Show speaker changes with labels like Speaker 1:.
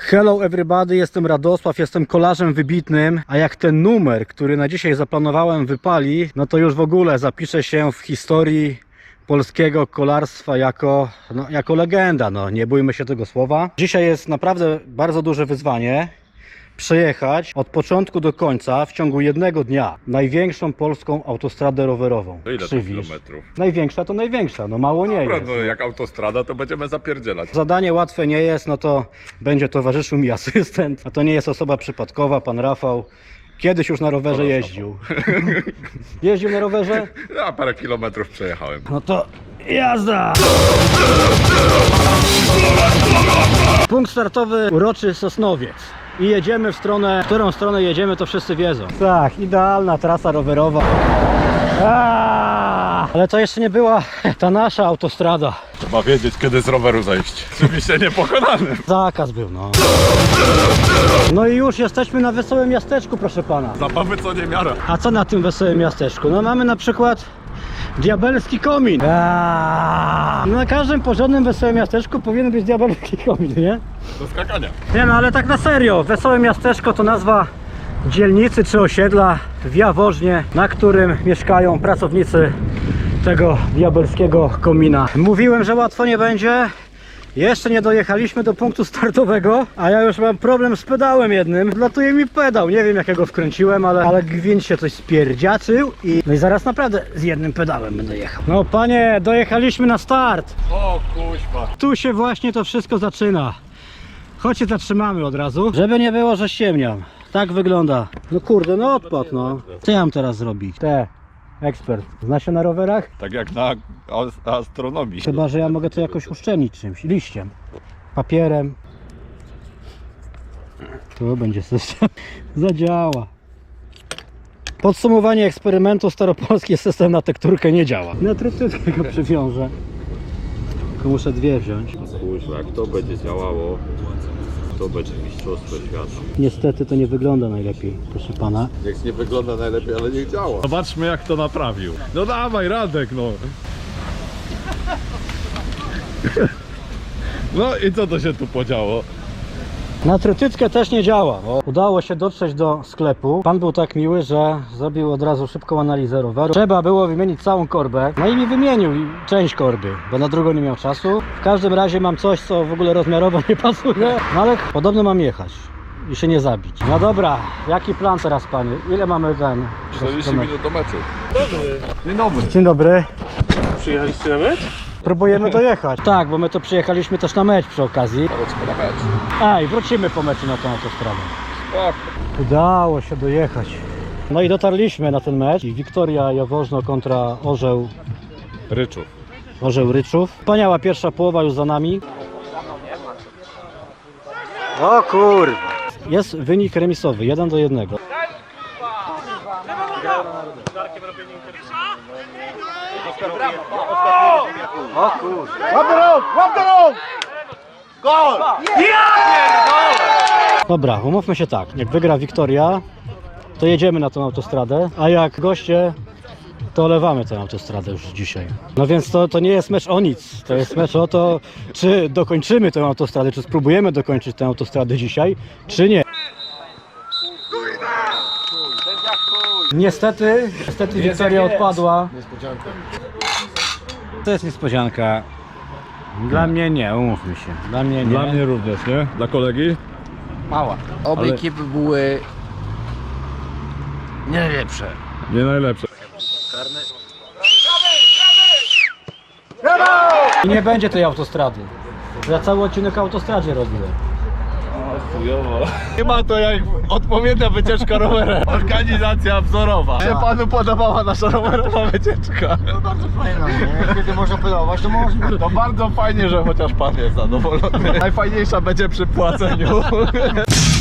Speaker 1: Hello everybody, jestem Radosław, jestem kolarzem wybitnym, a jak ten numer, który na dzisiaj zaplanowałem, wypali, no to już w ogóle zapiszę się w historii polskiego kolarstwa jako legenda, no nie bójmy się tego słowa. Dzisiaj jest naprawdę bardzo duże wyzwanie przejechać od początku do końca w ciągu jednego dnia największą polską autostradę rowerową.
Speaker 2: To ile to kilometrów?
Speaker 1: Największa to największa, no mało nie
Speaker 2: Dobra,
Speaker 1: jest.
Speaker 2: no jak autostrada, to będziemy zapierdzielać.
Speaker 1: Zadanie łatwe nie jest, no to będzie towarzyszył mi asystent, a to nie jest osoba przypadkowa, pan Rafał. Kiedyś już na rowerze jeździł. Jeździł na rowerze?
Speaker 2: Ja parę kilometrów przejechałem.
Speaker 1: No to jazda! Punkt startowy uroczy Sosnowiec. I jedziemy w stronę, w którą stronę jedziemy, to wszyscy wiedzą. Tak, idealna trasa rowerowa. Ale to jeszcze nie była ta nasza autostrada.
Speaker 2: Trzeba wiedzieć, kiedy z roweru zejść. Oczywiście niepokonanym.
Speaker 1: Zakaz był, no. No i już jesteśmy na Wesołym Miasteczku, proszę pana.
Speaker 2: Zabawy co nie miara.
Speaker 1: A co na tym Wesołym Miasteczku? No mamy na przykład diabelski komin. Na każdym porządnym Wesołym Miasteczku powinien być diabelski komin, nie?
Speaker 2: Do skakania.
Speaker 1: Nie no, ale tak na serio, Wesołe Miasteczko to nazwa dzielnicy czy osiedla w Jaworznie, na którym mieszkają pracownicy tego diabelskiego komina. Mówiłem, że łatwo nie będzie. Jeszcze nie dojechaliśmy do punktu startowego, a ja już mam problem z pedałem jednym. Latuje mi pedał, nie wiem jak ja go wkręciłem, ale gwint się coś spierdziaczył no i zaraz naprawdę z jednym pedałem będę jechał. No panie, dojechaliśmy na start.
Speaker 2: O kuźwa.
Speaker 1: Tu się właśnie to wszystko zaczyna. Chodź się zatrzymamy od razu, żeby nie było, że ściemniam. Tak wygląda. No kurde, no odpad, no. Co ja mam teraz zrobić? Ekspert. Zna się na rowerach?
Speaker 2: Tak jak na astronomii.
Speaker 1: Chyba, że ja mogę to jakoś uszczelnić czymś. Liściem. Papierem. Tu będzie system. Zadziała. Podsumowanie eksperymentu: staropolski system na tekturkę nie działa. Na trytytkę go przywiążę. Tylko muszę dwie wziąć.
Speaker 2: Kuźwa, jak to będzie działało, to będzie mistrzostwo świata.
Speaker 1: Niestety to nie wygląda najlepiej, proszę pana.
Speaker 2: Niech nie wygląda najlepiej, ale niech działa. Zobaczmy jak to naprawił. No dawaj Radek, no. No i co to się tu podziało?
Speaker 1: Na trytytkę też nie działa. Udało się dotrzeć do sklepu. Pan był tak miły, że zrobił od razu szybką analizę roweru. Trzeba było wymienić całą korbę. No i mi wymienił część korby, bo na drugą nie miał czasu. W każdym razie mam coś, co w ogóle rozmiarowo nie pasuje. No ale podobno mam jechać i się nie zabić. No dobra, jaki plan teraz, panie? Ile mamy ten?
Speaker 2: 40 minut do meczu. Dzień dobry.
Speaker 1: Dzień dobry.
Speaker 3: Przyjechaliście na mecz?
Speaker 1: Próbujemy dojechać. Tak, bo my to przyjechaliśmy też na mecz przy okazji.
Speaker 2: Na mecz.
Speaker 1: A i wrócimy po meczu na tą autostradę.
Speaker 2: Spoko.
Speaker 1: Udało się dojechać. No i dotarliśmy na ten mecz. Wiktoria Jaworzno kontra
Speaker 2: Ryczów.
Speaker 1: Orzeł Ryczów. Wspaniała pierwsza połowa już za nami. O kurwa. Jest wynik remisowy, 1-1. O kurwa.
Speaker 3: Łap do rąk! Gol!
Speaker 1: Dobra, umówmy się tak. Jak wygra Wiktoria, to jedziemy na tą autostradę, a jak goście, to olewamy tę autostradę już dzisiaj. No więc to nie jest mecz o nic. To jest mecz o to, czy dokończymy tę autostradę, czy spróbujemy dokończyć tę autostradę dzisiaj, czy nie. Niestety Wiktoria odpadła. To jest niespodzianka. Dla mnie nie, umówmy się. Dla mnie nie.
Speaker 2: Dla mnie również, nie? Dla kolegi?
Speaker 1: Mała.
Speaker 4: Obie
Speaker 2: Ale-
Speaker 4: ekipy były nie najlepsze.
Speaker 2: Nie najlepsze.
Speaker 1: I nie będzie tej autostrady. Ja cały odcinek o autostradzie robiłem.
Speaker 2: Nie ma to jak odpowiednia wycieczka rowerem. Organizacja wzorowa. Się panu podobała nasza rowerowa wycieczka?
Speaker 3: No bardzo fajna, nie? Kiedy można podobać, to można.
Speaker 2: To bardzo fajnie, że chociaż pan jest zadowolony. Najfajniejsza będzie przy płaceniu.